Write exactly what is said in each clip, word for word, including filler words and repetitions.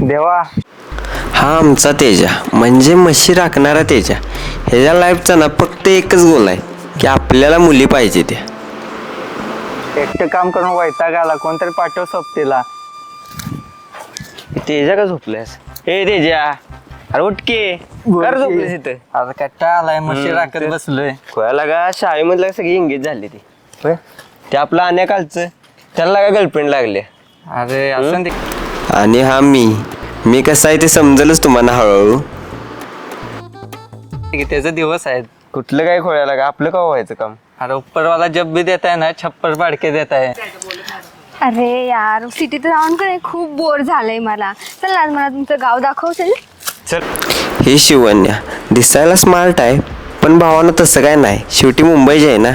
देवा हा आमचा तेजा म्हणजे म्हशी राखणारा तेजा. ह्याच्या लाईफचा ना फक्त एकच गोल आहे की आपल्याला मुली पाहिजे त्या. एकटं काम करून वैताग आला, कोणतरी पाठव सोबतीला. तेजा का झोपल्यास? हे तेजा अरे उठके कर झोपलेस इथं. आता कट्टा आलाय, म्हशी हम्म, राखत ते- बसलोय. खोयाला का शाळेमधलं सगळी एंगेज झाली ती. होय ते आपलं अनेकालचं त्याला का गर्लफ्रेंड लागले. अरे असं ते आणि हा मी मी कसं आहे ते समजेलच तुम्हाला हळूहळू. त्याचे दिवस आहेत. कुठलं काय खोयाला का आपलं का व्हायचं काम. अरे ऊपरवाला जब भी देता है ना छप्पर पाडके देता है. अरे यार सिटीत राहून का नाही खूप बोर झालंय मला. चल ना आज मला तुमचं गाव दाखवशील. चल ही शिवन्या दिसायला स्मार्ट आहे पण भावानं तसं काय नाही, शेवटी मुंबईची आहे ना.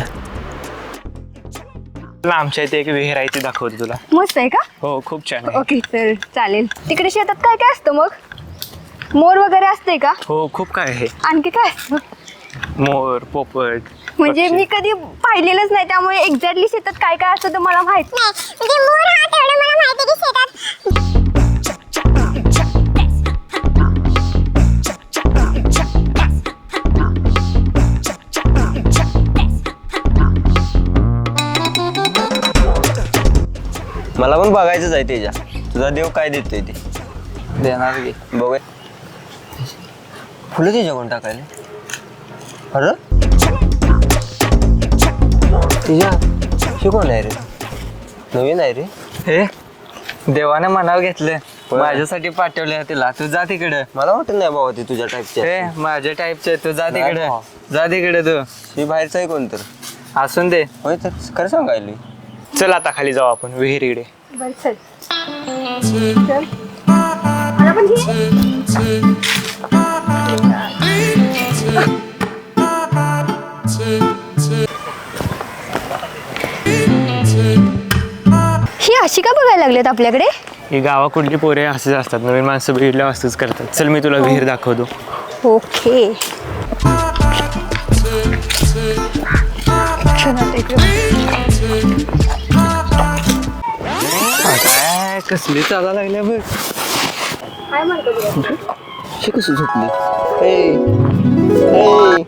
आमच्या इथे एक विहीर आहे ती दाखवते तुला. मस्त आहे का? हो खूप छान आहे. ओके चल चालेल. तिकडे शेतात काय काय असतं मग? मोर वगैरे असते का? हो खूप काय आहे. आणखी काय असतं? मोर पोपट म्हणजे पक्षी. मी कधी पाहिलेलंच नाही त्यामुळे एक्झॅक्टली शेतात काय काय असतं तर मला माहित नाही. मला पण बघायचंच आहे तेजा, तुझा देव काय देतोय ते. देणार की. बघ फुलं तेजा कोण टाकायला. अरे तेजा शिकवण आहे रे, नवीन आहे रे. हे देवाने मनावर घेतलं, माझ्यासाठी पाठवलं तिला. तू जा तिकडं. मला वाटत नाही बाबा ते तुझ्या टाईपचे. हे माझ्या टाईपचे. तू जा नाही तिकडे, भावा. जा तिकडे तू. ही बाहेरचं आहे कोण तर. असून दे. होय तर खरं सांगायला. चल आता खाली जाऊ आपण विहिरीकडे. बरं चल. चल. मला पण घे. ही अशी का बघायला लागलेत आपल्याकडे? ही गावा कुठली पोरे असेच असतात, नवीन माणसं बघितल्यावर असंच करतात. चल मी तुला विहीर दाखवतो. ओके. काय कसली चाला लागल्या बघ. काय म्हणतो तुला? शी कशी झोपली. हे हे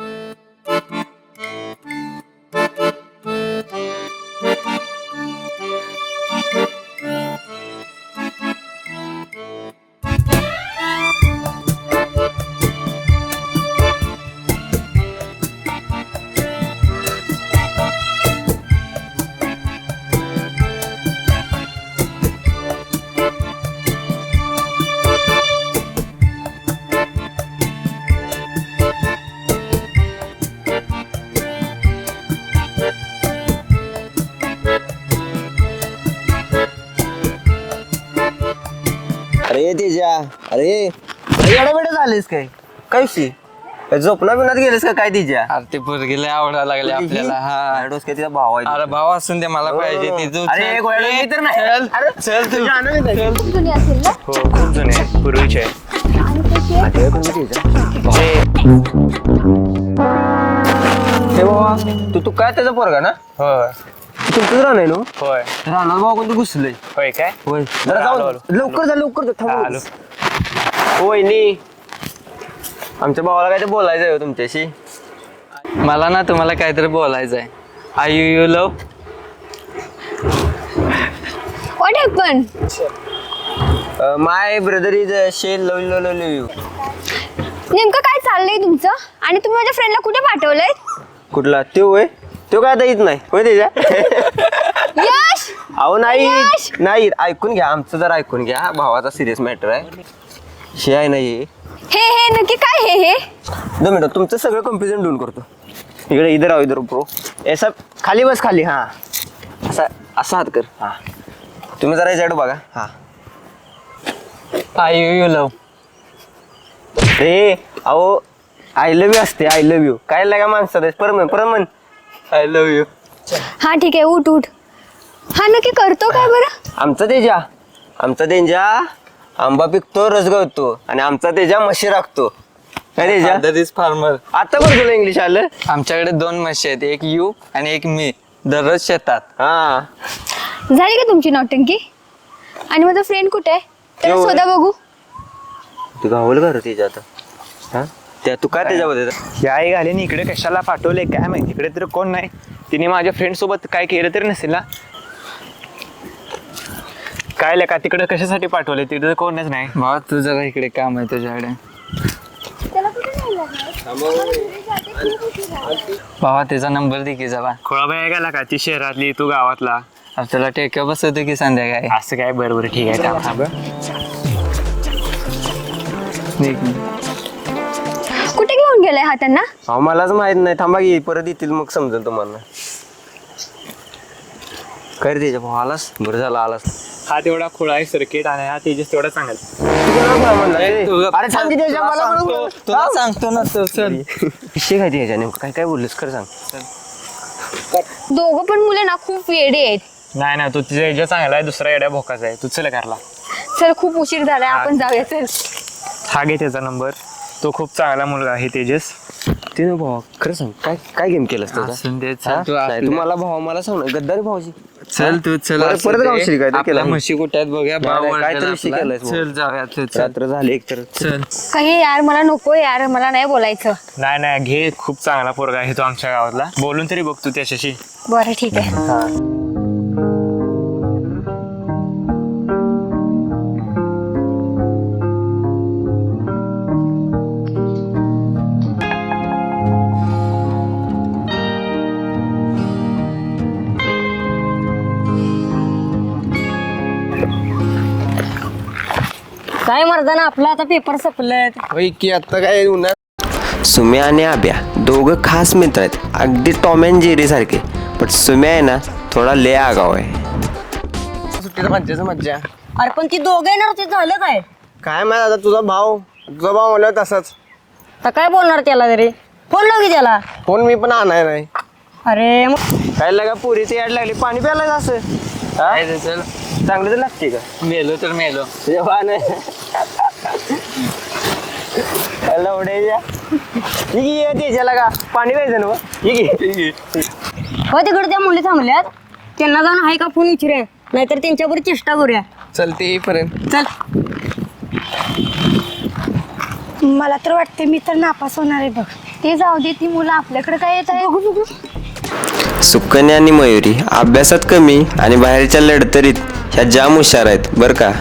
अरे तेजा अरे एवढा वेळ झालेस काय काय शी झोपना बिनात गेलेस का काय तिच्या. अरे ते पोरगीला आवडायला लागले आपल्याला. हा डोस काय तिचा भाव आहे. अरे भाव असून दे, मला पाहिजे ती. तू अरे चल. एक वेळा मी तर नाही. चल. अरे चल तू. खूप जुनी असेल ना? हो खूप जुने आहे, पूर्वीचे आहे. आणि त्याची हे बाबा तू तू काय त्याचा पोरगा ना. होय तुमचंच राहणार ना. होय राहणार बाबा कोणतं घुसलंय. होय काय. होय जरा आलो, जाऊ आलो. लवकर जा लवकर जा हा, थांब. आलो. होय नी आमच्या भावाला काय ते बोलायचं आहे तुमच्याशी. मला ना तुम्हाला काहीतरी बोलायचं आहे. I you you love. What happen? My brother is shell love love love you. नेमकं काय चाललंय तुमचं? आणि तुम्ही माझ्या फ्रेंडला कुठे पाठवलंय? कुठला त्यो होय त्यो काय आता येत नाही होय त्याच्या. यश. अहो नाही यश! नाही ऐकून घ्या आमचं जर ऐकून घ्या, भावाचा सिरियस मॅटर आहे. शे आहे नाही हे हे नक्की काय हे हे? दोन मिनिट तुमचं सगळं कन्फ्युजन दूर करतो. इकडे इधर आहो इधर प्रो ऐसा खाली बस खाली. हा असा असा हात कर. हा तुम्ही जरा याच्याकडे बघा. हा आय यू यू लव. रे अहो आय लव्ह यू असते. आय लव्ह यू काय लागा माणसात परमन परमन आय लव्ह यू. हा ठीक आहे उठ उठ. हा नक्की करतो काय बरं? आमचा तेजा आमचा तेजा आंबा पिकतो रस गळतो आणि आमचा तेजा म्हशी राखतो. काय तेजा Father is farmer. आता बरं तुला इंग्लिश आलं. आमच्याकडे दोन म्हशी आहेत, एक यू आणि एक मी. दररोज शेतात. हा झाली का तुमची नौटंकी? आणि माझा फ्रेंड कुठे आहे? त्याला शोधा बघू. तू गावल का रे त्याच्या आता हा त्या तू काय त्याच्यामध्ये या आई घालीन इकडे कशाला पाठवले काय माहिती, इकडे तर कोण नाही. तिने माझ्या फ्रेंड सोबत काय केलं तरी नसेल ना. काय लेका तिकडे कशासाठी पाठवले, तिकडे तर कोणच नाही. भावा तू जरा इकडे काम आहे तुझ्याकडे. भावा त्याचा नंबर दे की जरा. खोळाबाई गेला का, ती शहरातली तू गावातला. आपल्याला टेक्या बसवतो की संध्याकाळी. असं काय, बरं बरं ठीक आहे थांब. कुठे घेऊन गेलाय हा त्यांना? अहो मलाच माहित नाही, थांबा की परत येतील मग समजेल तुम्हाला. काय रे त्याच्या भाऊ आलास, बरं झालं आलास. हा तेवढा खोळा आहे सर्किट आणि हा तेजस तेवढा चांगला. अरे थांब की त्याच्या मला म्हणून- तुला सांगतो ना तो चल. विषय काय त्याच्या नेमकं काय काय बोललेस खरं सांग. दोघं पण मुलं ना खूप वेडे आहेत. नाही ना, तू तिच्या याच्या चांगला आहे, दुसरा येड्या भोकाचा आहे. तू चल करला. चल खूप उशीर झालाय, आपण जाऊया चल. हा घे त्याचा नंबर. तो खूप चांगला मुलगा आहे तेजस. ते ना भावा खरं सांग काय काय गेम केलंस त्याचा? असून दे, हा? चल तू नाही, आपल्या- तू मला भावा मला सांग ना, गद्दारी भावाची. चल तू चल. परत- असू परत दे. गावशील काय ते आपल्या केलं. म्हशी कुठे आहेत बघूया. नाही, भाव नाही, वळलेला काहीतरी विषय आपला. केलायस भाऊ. चल जाऊया तू चल. रात्र झाली एक तर चल. काही यार मला नको यार, मला नाही बोलायचं. नाही नाही घे, खूप चांगला पोरगा आहे तो आमच्या गावातला. बोलून तरी बघ तू त्याच्याशी. बरं ठीक आहे. काय मर्दाना आपला आता पेपर संपलेत. होय की आता काय उन्हात. सुम्या आणि आब्या दोघं खास मित्र आहेत, अगदी टॉम अँड जेरी सारखे. पण सुम्या आहे ना थोडा ले आगाव आहे. सुट्टीला मज्जाच मज्जा. अरे पण ती दोघं येणार होती, झालं काय? काय माहित आता तुझा भाव तुझा भाव म्हणलं तसाच. तर काय बोलणार त्याला तरी, फोन लाव की त्याला. फोन मी पण आणाय नाही. अरे मग काय लागा पुरीची याड लागली, पाणी प्यायला असं काय ते चल. चांगलं तर लागते का? मेलो तर मेलो. जेव्हा नाही लवड्याच्या ये त्याच्याला का पाणी प्यायचं ना मग? ये की. हो तिकडे त्या मुली थांबल्यात, त्यांना जाऊन आहे का फोन विचारूया, नाहीतर त्यांच्यावर चेष्टा करूया. चलते येईपर्यंत. चल. मला तर वाटते मी तर नापास होणार आहे बघ. ते जाऊ दे, ती मुलं आपल्याकडे काय येत आहे बघू बघू. सुकन्या आणि मयुरी अभ्यासात कमी आणि बाहेरच्या लढतरीत ह्या जाम हुशार आहेत बरं का.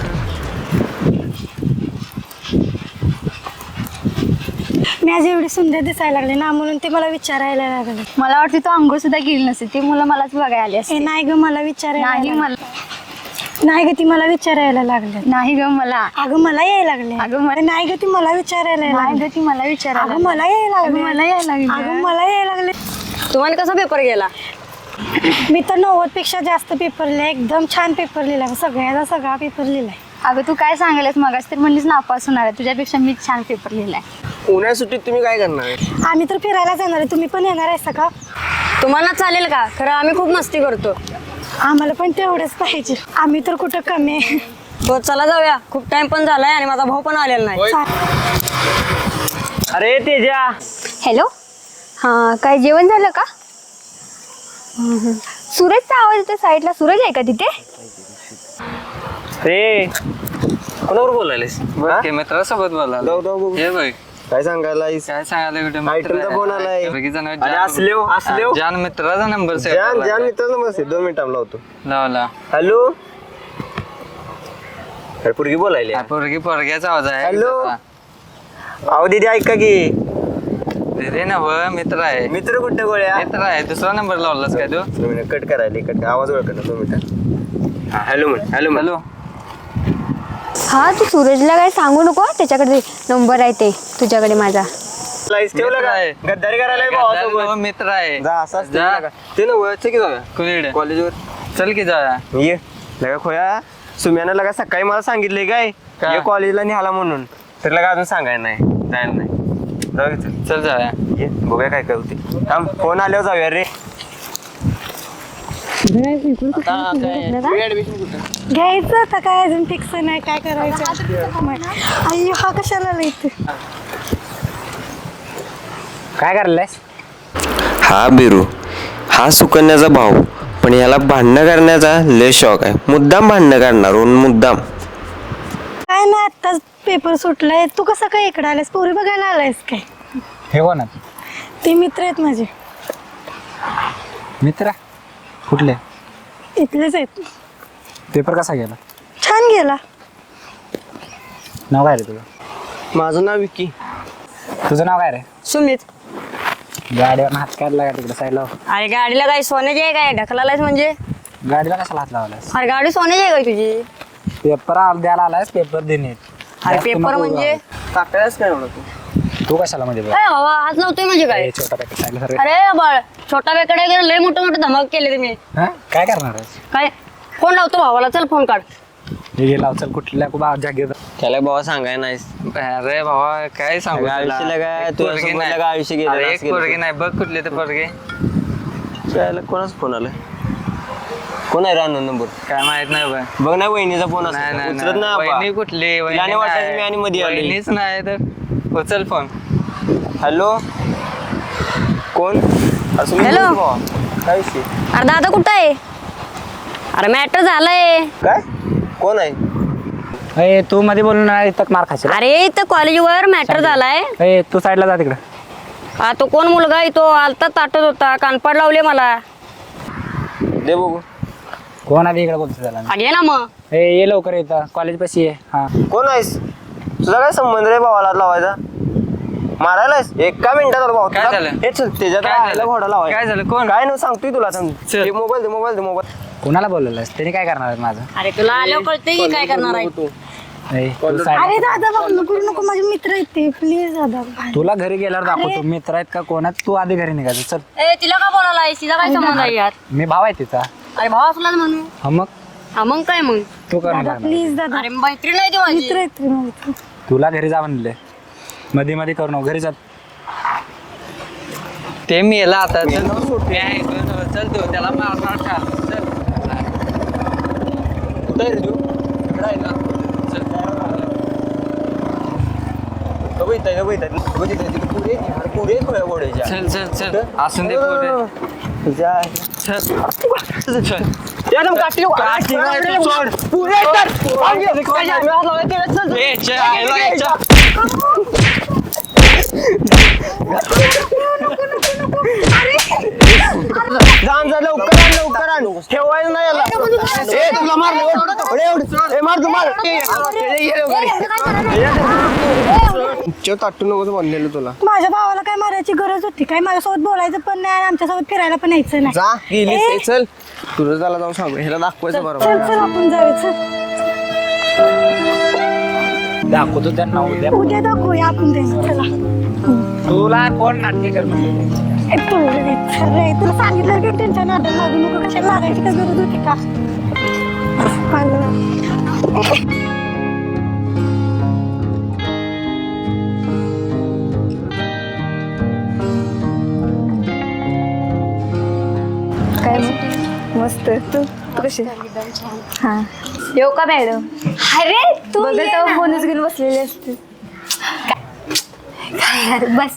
मी आज एवढी सुंदर दिसायला लागले ना, म्हणून ते मला विचारायला लागले. मला वाटते तो अंघोळ सुद्धा गेली नसते, ती मुलं मलाच बघायला आली असते. नाही ग मला विचारायला नाही मला नाही ग ती मला विचारायला लागले. नाही ग मला अगं मला यायला लागले. अगं मला नाही ग ती मला विचारायला नाही ग ती मला विचारायला. अगं मला यायला लागले. मला यायला लागले. अगं मला यायला लागले. तुम्हाला कसा पेपर गेला? मी तर नव्वद पेक्षा जास्त पेपर लिहिला, एकदम छान पेपर लिहिला, सगळ्याचा सगळा पेपर लिहिलाय. अगं तू काय सांगायलास मगाच तर म्हणलीस नापास होणार आहे, तुझ्यापेक्षा मी छान पेपर लिहिलाय. उन्हाळ्यात सुट्टीत तुम्ही काय करणार आहे? आम्ही तर फिरायला जाणार आहे, तुम्ही पण येणार आहे का? तुम्हाला चालेल का? खरं आम्ही खूप मस्ती करतो. आम्हाला पण तेवढंच पाहिजे, आम्ही तर कुठं कमी आहे. हो चला जाऊया, खूप टाइम पण झालाय आणि माझा भाऊ पण आलेला नाही. अरे तेजा. हॅलो, हां काय जेवण झालं का? सूरजचा आवाज येतो साईडला, सूरज आहे का तिथे? रे कोणावर बोलायलेस? ओके मित्रासोबत बोला. जाऊ जाऊ बघू. हे बघ काय सांगायला काय सांगायला कुठे आयटमचा फोन आलाय. अरे असलेव असलेव जान मित्राचा नंबर जान जान मित्राचा नंबर आहे. दोन मिनिटांना लावतो. लावला. हॅलो. अरे पोरगी बोलायली. पोरगी पोरग्याचा आवाज आहे. हॅलो. अहो दीदी ऐका की. रे ना व मित्र आहे. मित्र कुठे गोळ्या? मित्र आहे. दुसरा नंबर लावलास काय तू? दोन मिनिट कट करायला कट आवाज ओळखत दोन मिनिट. हा हॅलो म्हण हॅलो हॅलो. हा तू सूरजला काय सांगू नको, त्याच्याकडे नंबर आहे ते तुझ्याकडे माझा. लाईस ठेवलं मित्र आहे. का? गद्दारी करायला गद्दार भावासोबत. नवं मित्र आहे. जा असाच जा. ठेवलं का? ते ना वळचं की जाऊया कुणीकडे? कॉलेजवर. चल की जाऊया. ये लगा खोया सुम्यानं लगा सकाळी मला सांगितलंय काय काय? ये कॉलेजला निघाला म्हणून, तर लगा अजून सांगायला नाही जायला नाही. जाऊ की चल. चल जाऊया. ये बघूया काय काय होते. थांब फोन आल्यावर जाऊया रे. घ्यायचं आता काय अजून फिक्स नाही, काय करायचं. अय्यो हा कशाला लिहिते? काय करलायस? हा बिरू हा सुकन्याचा भाऊ, पण याला भांडणं करण्याचा लय शौक आहे. मुद्दाम भांडणं करणार मुद्दाम. काय नाही, आत्ताच पेपर सुटलाय. तू कसं काय इकडे आलायस? पोरी बघायला आलायस काय? हे कोण आहे? ते मित्र आहेत माझे, मित्र कुठले? इथलेच आहेत. पेपर कसा गेला? छान गेला. नाव काय रे तुझं? माझं नाव विकी. तुझं नाव काय रे? सुमित. गाडीवर हात काढला का तिकडे साईडला? अरे गाडीला काय सोन्याची आहे काय? ढकलालायस म्हणजे? गाडीला कशाला हात लावलास? अरे गाडी सोन्याची आहे काय तुझी? पेपर द्यायला आलायस, पेपर देणे. अरे पेपर म्हणजे? टाकायलाच काय एवढं तू? तू कशाला मध्ये बघ? ए बाबा हात लावतोय म्हणजे काय? छोटा पॅकेट साईडला सर. अरे बाळ, छोटा बेकडे गेलं, लय मोठं मोठं धमाक केले तुम्ही. हा काय करणार आहेस? काय फोन लावतो भावाला, चल फोन काढ. हे घे लाव, चल कुठल्या बा जागेत. त्याला बाबा सांगाय नाही. अरे भावा काय सांगू तुला? आयुष्याला काय एक तू पोरगी असं नाही. बोलला का आयुष्य गेलं, अरे, असं एक गेलं. पोरगी नाही बघ कुठले ते पोरगे. त्याला कोणाच फोन आलाय? कोण आहे रानू नंबर? काय माहित नाही बघ. बघ ना वहिनीचा फोन नाही असतो, नाही उचलत नाही. नाही वहिनी आबा. कुठली? वहिनी तिला नाही वाटत नाही. मी आणि मध्ये आलोय. वहिनीच नाही तर उचल फोन. हॅलो, कोण? असं मी हॅलो. बोलतो भावा. काय विषय? अरे दादा कुठं आहे? अरे मॅटर झालंय. काय? कोण आहे? ए तू मध्ये बोलून नाही इथं मार खाशील. अरे इथं कॉलेजवर मॅटर झालाय. ए तू साईडला जा तिकडे. हा तो कोण मुलगा आहे तो? आलता ताटत होता, कानपाड लावले मला. दे बघू. कोण आहे इकडे बोलतो त्याला? अरे ये ना मग. ए ये लवकर येतं, कॉलेज पाशी ये. हा कोण आहेस? तुझा काय संबंध रे भावाला हात लावायचा? मारायलायस? एका मिनिटात आलो भाऊ. काय तुला- झालं? हे चल त्याच्यात काय राहायला झालं? घोडा लावायचा. काय झालं? कोण? काय नाही सांगतोय तुला सांग. चल. मोबाईल दे, मोबाईल दे, मोबाईल. कोणाला बोललेलंस? त्याने काय करणार आहे माझं? अरे तुला आल्यावर कळतंय की काय करणार आहे. तू ए, तू अरे side- दादा भाऊ करू नको, माझे मित्र आहेत ते. प्लीज दादा. तुला घरी गेल्यावर दाखवतो मित्र आहेत का कोण आहेत. तू आधी घरी निघायचं. चल, ए तिला का बोलायला तिला काय संबंध आहे यार? मी भाव आहे तिचा. अरे भावा असला ना म्हणून. हा मग हा मग काय मग? तू कर दादा प्लीज दादा. अरे मैत्रीण आहे ती माझी. मित्र आहेत ते माझे. तुला घरी जा म्हणले. मध्ये मध्ये करू नको, घरी जा. ते मी याला आता चल. मी आहे इकडं. चल तू त्याला मारणार का? चल. कुठं आहे रे तू? इकडं आहे ना. चल. बघ इथं आहे, बघ इथं आहे. बघ इथं आहे. तिकडे पुढे आहे की? अरे पुढे आहे खोया घोड्याच्या. चल चल चल असून दे पोरे. तुझ्या चल चल. एकदम काठी काठी नाही तू सोड. पुढे कर. मागे. काय झालं? मी हात लावायला तेवढ्यात चल. ए, चल, आयला, ए, चल. जाण जा लवकर आण, लवकर आण. ठेवायचं नाही याला. ए तुला मार. ए, एवढं. ए मार तू मार. ए, ये, ये लवकर. चल ताटू नको बनलेलं तुला. माझ्या भावाला काय मारायची गरज होती काय? माझ्यासोबत बोलायचं पण नाही आणि आमच्यासोबत फिरायला पण यायचं नाही. जा गेली ए, चल. तुझं त्याला जाऊन सांगू, ह्याला दाखवायचं बरोबर. चल चल आपण जायचं. दाखवतो त्यांना उद्या. उद्या दाखवूया आपण ते. चला. तुला कोण नाटके कर म्हणले? ए, तू रे, चल रे. तुला सांगितलं की टेन्शन नाटक लागू नको. कशाला लागायची काय गरज होती का? काय मस्त. तू तू कशी? हा येऊ का मॅडम? अरे तू बघत ये तेव्हा ना. फोनच घेऊन बसलेले असते. काय यार, बस.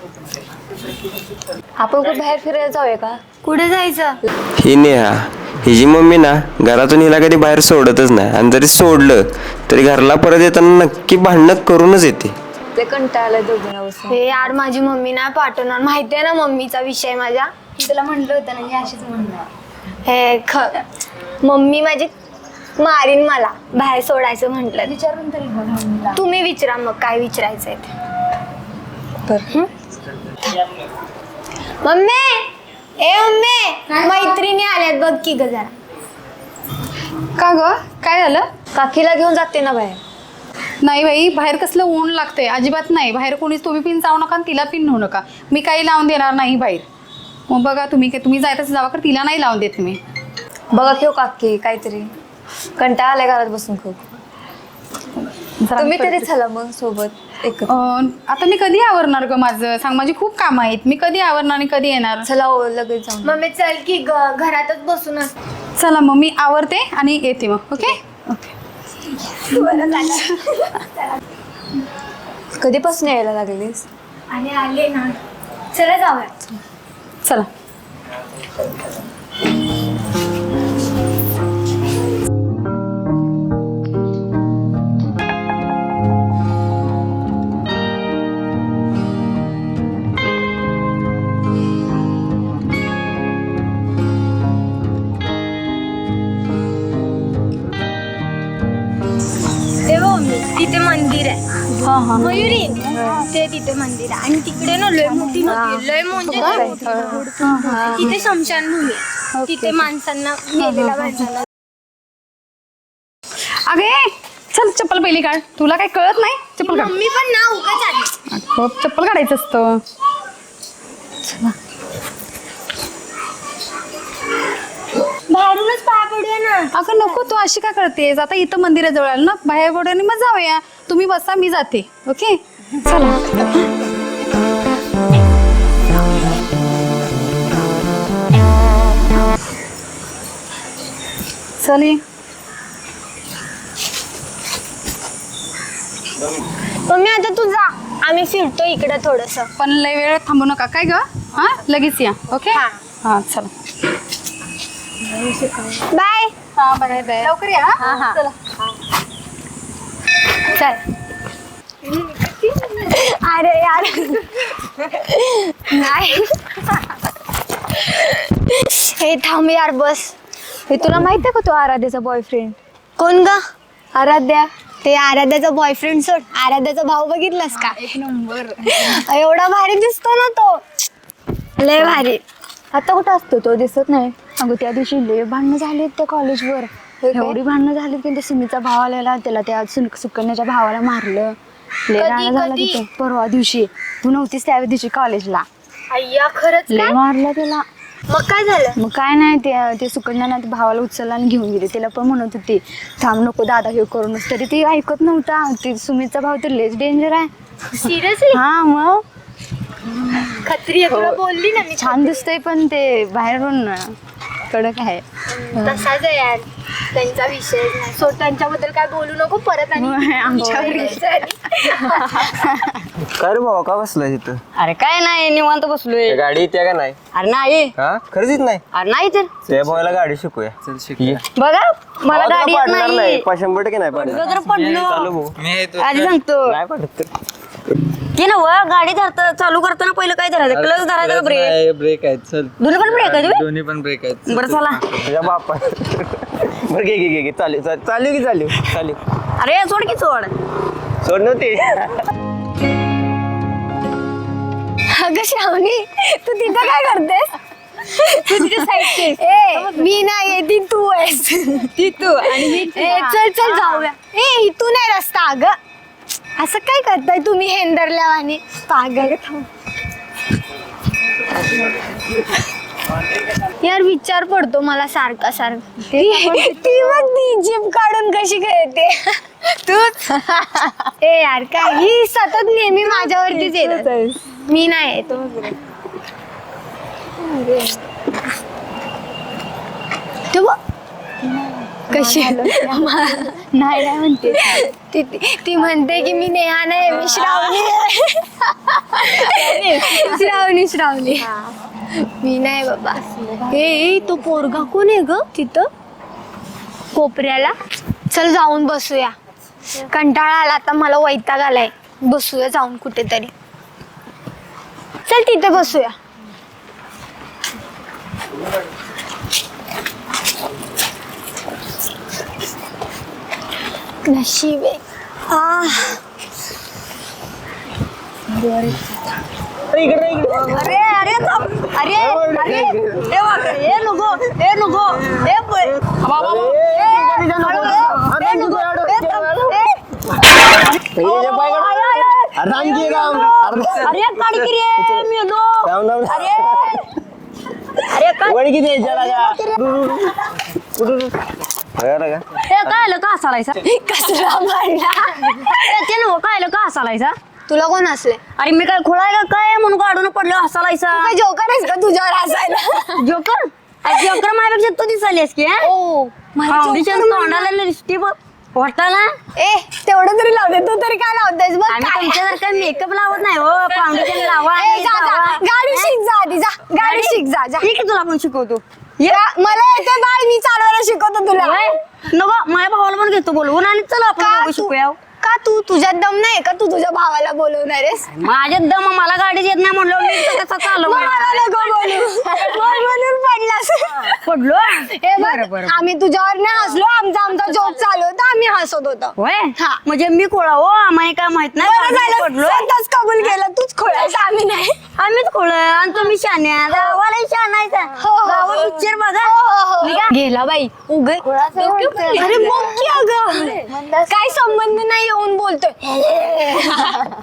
आपण कुठे बाहेर फिरायला जाऊया का? कुठे जायचं? ही नेहा हिची मम्मी ना घरातून हिला कधी बाहेर सोडतच नाही, आणि जरी सोडलं तरी घरला परत येताना नक्की भांडणं करूनच येते. ते कंटाळलं दोघींना बसून. हे यार माझी मम्मी ना पाठवणार. माहिती आहे ना मम्मीचा विषय माझ्या. तुला म्हटलं होतं ना हे अशीच म्हणणार. हे ख मम्मी माझी मारीन मला बाहेर सोडायचं म्हटलं. विचारून तरी बघ मम्मीला. तुम्ही विचारा मग काय विचारायचंय ते. मम्मी ए मम्मी मैत्रिणी आल्यात बघ की ग जरा. का ग काय झालं? काकीला घेऊन जाते ना बाहेर. नाही बाई, बाहेर कसलं ऊन लागतंय. अजिबात नाही. बाहेर कोणीच तुम्ही पिन जाऊ नका आणि तिला पिन नेऊ नका. मी काही लावून देणार नाही बाहेर. मग बघा तुम्ही काय तुम्ही जायचं जावा कर, तिला नाही लावून देत मी. बघा खेळ काकी काहीतरी कंटाळा आलाय घरात बसून खूप. जरा तुम्ही तरी करते. चला मग सोबत एकत्र. अं, आता मी कधी आवरणार ग? माझं सांग, माझी खूप कामं आहेत. मी कधी आवरणार आणि कधी येणार? चला हो लगेच जाऊन. मम्मी चल की ग घरातच बसूनच. चला मग मी आवरते आणि येते मग. Okay okay. कधीपासून यायला लागलीस? आणि आले ना. चला जाऊया. चला. मंदिर आहे मयुरी ते तिथे मंदिर आहे आणि तिकडे ना लय मोठी नदी आहे, लय म्हणजे लय मोठी नदी. तिथे स्मशानभूमी आहे, तिथे माणसांना मेलेल्या माणसांना. अगे चल चप्पल पहिली काढ, तुला काही कळत नाही. चप्पल काढ. मम्मी पण ना उगाच आली. खूप चप्पल काढायचं असतं. बाहेरूनच पाय पडूया ना. अगं नको, तू अशी का करतेस? आता इथं मंदिराजवळ आलं ना, बाहेर पडून मग जाऊया. तुम्ही बसा, मी जाते. ओके चला. चल ये. मम्मी आता तू जा, आम्ही फिरतो इकडे थोडस. पण लय वेळ थांबू नका काय ग. हा लगेच या. ओके हा चला. बाय. हा बाय बाय. लवकर या. हा चला. चल. अरे यार नाही हे थांब यार बस. हे तुला माहित आहे का तो आराध्याचा बॉयफ्रेंड? कोण ग? आराध्या. ते आराध्याचा बॉयफ्रेंड सोड, आराध्याचा भाऊ बघितलास का? एक नंबर. एवढा भारी दिसतो ना तो, लय भारी. आता कुठं असतो तो? दिसत नाही. अगं त्या दिवशी लय भांडणं झालीत त्या कॉलेजवर. एवढी भांडणं झाली की ते सुमीचा भाव आलेला, त्याला त्या सुन- सुकन्याच्या भावाला मारलं. लय राडा झाला कधी? तिथे परवा दिवशी. तू नव्हतीस त्या दिवशी कॉलेजला. अय्या खरंच लय काय? मारलं त्याला. मग काय झालं? मग काय नाही, ते ते सुकन्यानं ते भावाला उचलला आणि घेऊन गेले. तिला पण म्हणत होती थांब नको दादा हे करूनच, तरी ती ऐकत नव्हता. ते सुमितचा भाव तर लेच डेंजर आहे. सिरियसली? हा मग खत्री आहे, तुला बोलली ना मी. छान दिसतंय पण ते बाहेरून कडक आहे. तसाच आहे यार, त्यांचा विषय नाही. सो त्यांच्याबद्दल काय बोलू नको परत आणि आमच्यावर यायचं आहे. काय रे बाबा का बसलाय तिथं? अरे काय नाही, निवांत बसलोय. गाडी येते का नाही? अरे नाही. हा खरंच येत नाही? अरे नाही तर त्या भावाला गाडी शिकूया. ये. बघा मला भावा, गाडी तुला येत पाडणार नाही. नाही पा- शंभर टक्के नाही पाडणार. तुला जर पडलो चालू भाऊ. आधी सांगतो नाही पाडत तर. की ना व गाडी धरता चालू करताना पहिलं काय धरायचं? क्लच धरायचा का ब्रेक? ब्रेक आहेत चल. दोन्ही पण ब्रेक आहे तुम्ही? दोन्ही पण ब्रेक आहेत. बरं चला. तुझ्या बापा बरं घे घे घे घे चालू चालू चालू की चालू चालू अरे सोड की सोड. सोड नव्हते. अगं श्रावणी, तू तिथं काय करतेस? तू तिथे साईड. ए मी नाही, ती तू आहेस. ती तू आणि मी. चल चल जाऊया. ए इथून आहे रस्ता. अगं असं काय करताय तुम्ही हेंदरल्या आणि पागल. यार विचार पडतो मला सारखा सारखा. ती मग ती जीभ काढून कशी खेळते तूच. ए यार काय ही सतत नेहमी माझ्यावरतीच येत. मी नाही येत. तू बघ. कशी नाही नाही म्हणते ती ती म्हणते की मी नेहा नाही, मी श्रावणी आहे. श्रावणी श्रावणी मी नाही बाबा. ए तो पोरगा कोण आहे ग तिथं कोपऱ्याला? चल जाऊन बसूया. कंटाळा आला आता मला, वैताग आलाय. बसूया जाऊन कुठेतरी. चल तिथे बसूया. नशीब आहे. आ अरे अरे थांब. अरे अरे ए वाकडे, ए नको ए नको ए ब- बाबा, बाबा. ए, हळू, ए, ए, नको. ए, थांब. ए. आय, आय, आय. अरे काढ की रे मेलो. अरे अरे काय ए, काय आलं का हसालायचा? कसला मारला. ए, ते नव्ह काय आलं का हसालायचा? तुला कोण असले? अरे मी काय खोळाय का काय म्हणून काढून पडलो हसालायचा? काय जोकर आहेस का तुझ्यावर हसायला? जोकर अरे जोकर माझ्यापेक्षा तू दिसालीस की हा? ओ मला फाउंडेशन जोकर तोंडाला लिपस्टिक वाटताना. ए तेवढं तरी लावते, तू तरी काय लावतेस बघ. आम्ही काय? तुमच्यासारखं मेकअप लावत नाही हो. फाउंडेशन लावा ए, आणि जा, जा. लावा. गाडी शिक जा आधी जा. गाडी शिक जा जा. ठीक आहे तुला पण शिकवतो. या- मला येते बाळ, मी चालवायला शिकवतो तुला. होय? नको माझ्या भावाला पण घेतो बोलवून आणि चला आपण का दोघं तू- शिकूया. का तू तुझ्यात दम नाही का? तू तुझ्या भावाला बोलवणार आहेस? माझ्यात दम मला गाडी येत नाही म्हणलं मी कसं चालू मग मला नको बोलू. मग म्हणून पडलास. पडलो आम्ही तुझ्यावर नाही हसलो, आमचा आमचा जोक चालू होता, आम्ही हसत होतो. म्हणजे मी खोळा हो, आम्हाला काय माहित नाही पडलो. स्वतःच कबूल केलं, तूच खोळायचं, आम्ही नाही. आम्हीच खोळ आणि तुम्ही शान्या, गावाला शानायचा. गावात पिक्चर बघा. गेला बाई उग अरे मग की अगं काय संबंध नाही येऊन बोलतोय.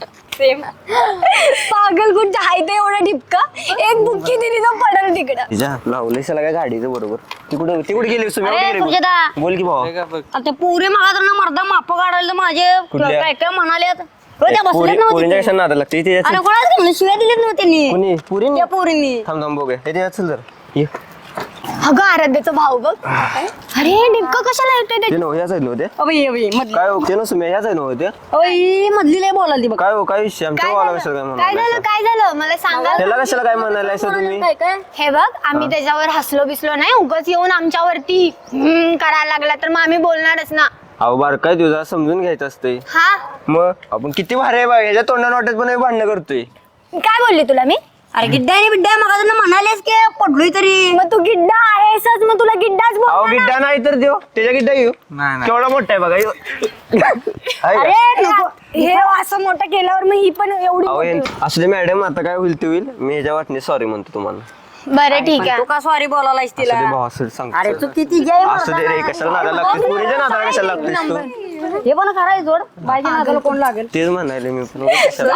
पागल कुठं आहे ते एवढं ठिपका, एक बुक्की दिली तर पडल तिकडं. तिच्या लावलेस काय गाडीचं बरोबर. तिकडे तिकडे गेली सुम्या अरे, कुठे गेली? सुजाता. बोल की भाऊ. आता पुरे मागा तर ना मर्दा माप काढायला माझे कुठल्या? काय काय म्हणाले आता. हो, त्या बसल्यात पोरी- नव्हत्या पोरींच्या ते. कशा नादा लागते ते अरे कोणाच म्हणलं शिव्या दिलेत नव्हते त्यांनी. कोणी पुरी त्या पोरींनी. थांब थांब बघूया हे ते चल जर ये अगं आराध्याचा भाऊ बघ. अरे डिपका कशाला येतोय ते नव्ह याच आहे नव्हते अबे, अबे, मधली. काय हो ते ना सुम्या याच आहे नव्हते अबे, मधली लय बोलाल ती बघ. काय हो काय विषय आमच्या काय वाला झालं कशाला काय काय झालं म्हणाला काय झालं मला सांगा. त्याला कशाला काय म्हणायला तुम्ही काय काय हे बघ आम्ही त्याच्यावर हसलो बिसलो नाही, उगाच येऊन आमच्यावरती हम्म करायला लागला तर मग आम्ही बोलणारच ना. अहो बार काय तुझा समजून घ्यायचं असतंय. हा मग आपण किती भारी आहे बघ याच्या तोंडाने वाटत पण भांडणं करतोय. काय बोलली तुला मी? अरे गिड्डा आणि बिड्डा मग म्हणालेस की पडलोय तरी. मग तू गिड्डा आहेसच, मग तुला गिड्डाच बोल. अहो गिड्डा नाही तर देव त्याच्या गिड्डा येऊ नाही नाही केवढा मोठा आहे बघा ह्यो. आहे का? अरे हे असं मोठं केल्यावर मग ही पण एवढी अहो मोठी हे- होती. असू दे मॅडम आता काय होईल ते होईल. मी ह्याच्या वाटणे सॉरी म्हणतो तुम्हाला. बरं ठीक तू आहे. का सॉरी बोलायलास असू तिला? दे भाऊ असू दे सांगतो. अरे तू किती जय असू दे रे कशाला नादाला लागतेस पुरीच्या नादाला कशाला लागतेस तू. हे पण करायचं जोड बायच्या नादाला कोण लागेल? तेच म्हणाले मी पण कशाला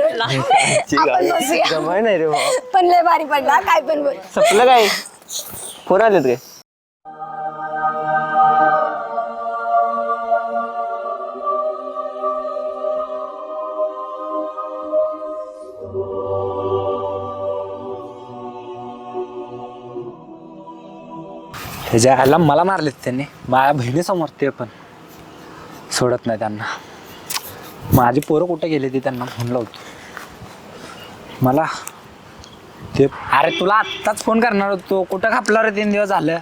जमाय नाही रे भाऊ. पण लय भारी पडला काय पण बोल. संपलं काय फोन आलेत काय? ह्याच्या ह्याला मला मारलेत त्यांनी, माझ्या बहिणीसमोर ते पण सोडत नाही त्यांना. माझी पोरं कुठे गेली ती त्यांना फोन लावतो मला ते. अरे तुला आत्ताच फोन करणार होतो, कुठं खापला रे तीन दिवस झालं.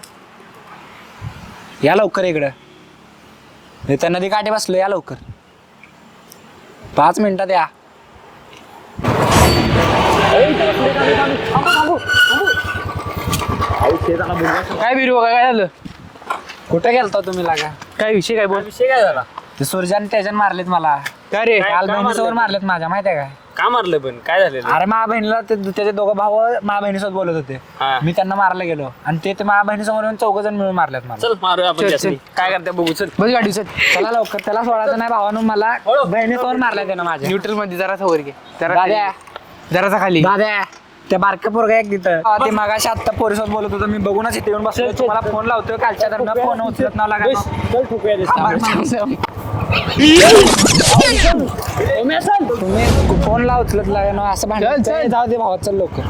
या लवकर इकडं, मी त्या नदी काठी बसलो, या लवकर पाच मिनिटात या. काय बिरू काय काय झालं? कुठे गेलता तुम्ही लागा? काय विषय काय बोल? विषय काय झाला? ते सुरजान त्याच्यान मारलेत मला. काय रे काल बहिणीसोबत मारलेत माझ्या, माहिती आहे काय? का मारलं पण काय झालेलं? अरे माझ्या बहिणीला ते त्याचे दोघं भाऊ माझ्या बहिणीसोबत बोलत होते. हा. मी त्यांना मारायला गेलो आणि ते ते माझ्या बहिणीसमोर येऊन चौघ जण मिळून मारल्यात मला. चल मारूया आपण त्यासनी. काय करते बघू चल. बस गाडी चल. चला लवकर, त्याला सोडायचं नाही भावानं, मला बहिणीसमोर मारलाय त्यानं माझ्या. न्यूट्रल मध्ये जरासा वर घे. दाद्या, जरासा खाली. दाद्या, त्या बारक्या पोरगा एक तिथं ते मागाशी आत्ता पोरीसोबत बोलत होतं, मी बघूनच इथे येऊन बसलो. तुम्हाला फोन लावतोय कालच्या दरम्यान, फोन उचलत नाव लागा. तुम्ही फोन ला उचलत लागा ना असं भांडण. जाऊ दे भावा, चल लवकर.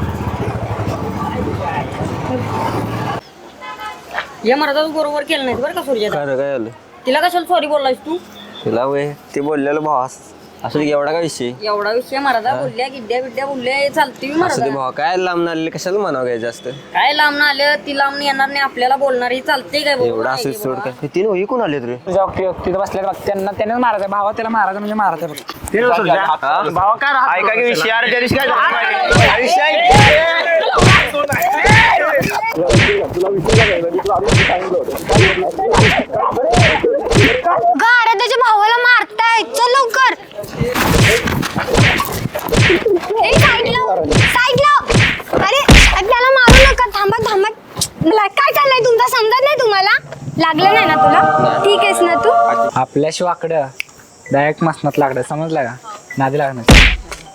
हे मराठा तू बरोबर केलं नाही बरं का सूर्या. काय काय झालं तिला कशाला सॉरी बोललास तू? तुला वय ते बोललेलं भाऊ असू दे एवढा काय विषय. एवढा विषय मराठा बोलल्या गिड्ड्या बिड्ड्या बोलल्या चालते असू दे मराठा. भाऊ काय लांब आलेले कशाला म्हणावं काय जास्त. काय लांब ना आलं ती लांब येणार नाही आपल्याला बोलणार ही चालते काय बरोबर एवढा नाही असं की सोड बाबा. काय तीन होई कोण आले रे. तुझ्या तिथं बसल्या बघ, त्यांना त्याने मारायचं भावा, त्याला मारायचं म्हणजे मारायचं बघ. भावा काय राहत ऐका की विषय अरे त्या दिवशी काय झालं? विषय अगं आराध्याच्या भावाला मारताय, चल लवकर. ए, साईड लाव, साईड लाव. अरे त्याला मारू नका, थांबा थांबा. मला काय चाललंय तुमचा समजत नाही तुम्हाला? लागलं नाही ना तुला? ठीक आहेस ना तू? आपल्या शिवाकडं डायरेक्ट मसनात लागलं, समजलं का? नादी लागणार.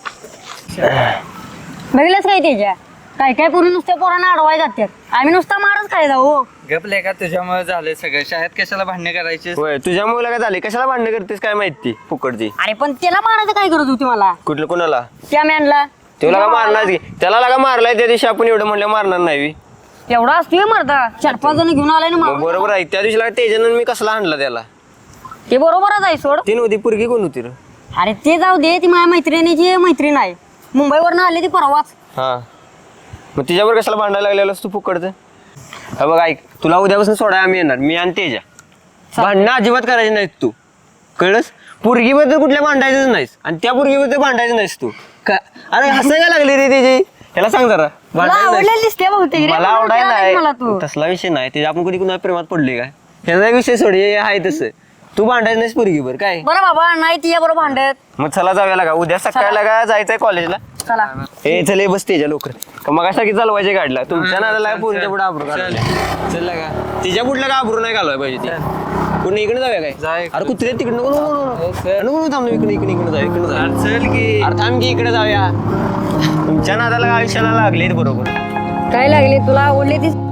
बघितलंच काय त्याच्या काय काय पोरी नुसत्या पोरांना अडवाय जातात. आम्ही नुसता मारच काय जाऊ. गपले का तुझ्यामुळे झालंय सगळं. शाळेत कशाला भांडणे करायची? होय तुझ्या मुला काय झाले कशाला भांडण करतेस काय माहिती फुकटची. अरे पण त्याला मारायचं काय करत होती मला कुठलं कोणाला त्या मॅनला? तुला का मारणार की त्याला लागा मारलाय त्या दिवशी आपण एवढं म्हणलं मारणार नाही. एवढा असतोय मरदा चार पाच जण घेऊन आलाय ना मग मारून. बरोबर आहे त्या दिवशी लागा तेजानं मी कसला आणला त्याला. ते बरोबरच आहे सोड. तीन होती पुरगी कोण होती रे. अरे ते जाऊ दे, ती माझ्या मैत्रिणीची मैत्रीण आहे, मुंबईवरनं आली ती परवाच. हा मग तिच्यावर कशाला भांडायला लागलेलास तू फुकटचं. हा बघ ऐक तुला उद्यापासून सोडाय आम्ही येणार, मी आणि तेजा. भांडणं अजिबात करायची नाहीत तू, कळलंस. पोरगीबद्दल कुठल्या भांडायचंच नाहीस आणि त्या पोरगीबद्दल भांडायचं नाहीस तू. का अरे हसायला लागली रे त्याची. त्याला सांग जरा भांडायचं नाही. आवडलेली दिसते बहुतेक रे, मला म्हणून आवडाय विचारायला मला नाही तू तसला विषय नाही ते आपण कधी कुणा प्रेमात पडले काय ह्याचा विषय सोड हे आहे तसं तू भांडायचं नाहीस पोरगी बरं काय बरं बाबा नाही तिच्या बरोबर भांडत मग चला जाऊया लागा उद्या सकाळला का जायचंय कॉलेजला चला हे चले बस त्याच्या लवकर मग की चालवायचे गाडीला तुमच्या नादाला पोरीच्या पुढे आबरू चल का तिच्या पुढला का आबरू नाही घालवाय पाहिजे ती कुठे इकडे जाऊया काय अरे कुत्रे तिकडे नको नको नको नको थांब इकडे इकडे इकडे जाऊ इकडे जाऊ चल की अरे थांब की इकडे जाऊया तुमच्या नादाला आयुष्याला लागले बरोबर काय लागले तुला आवडली ती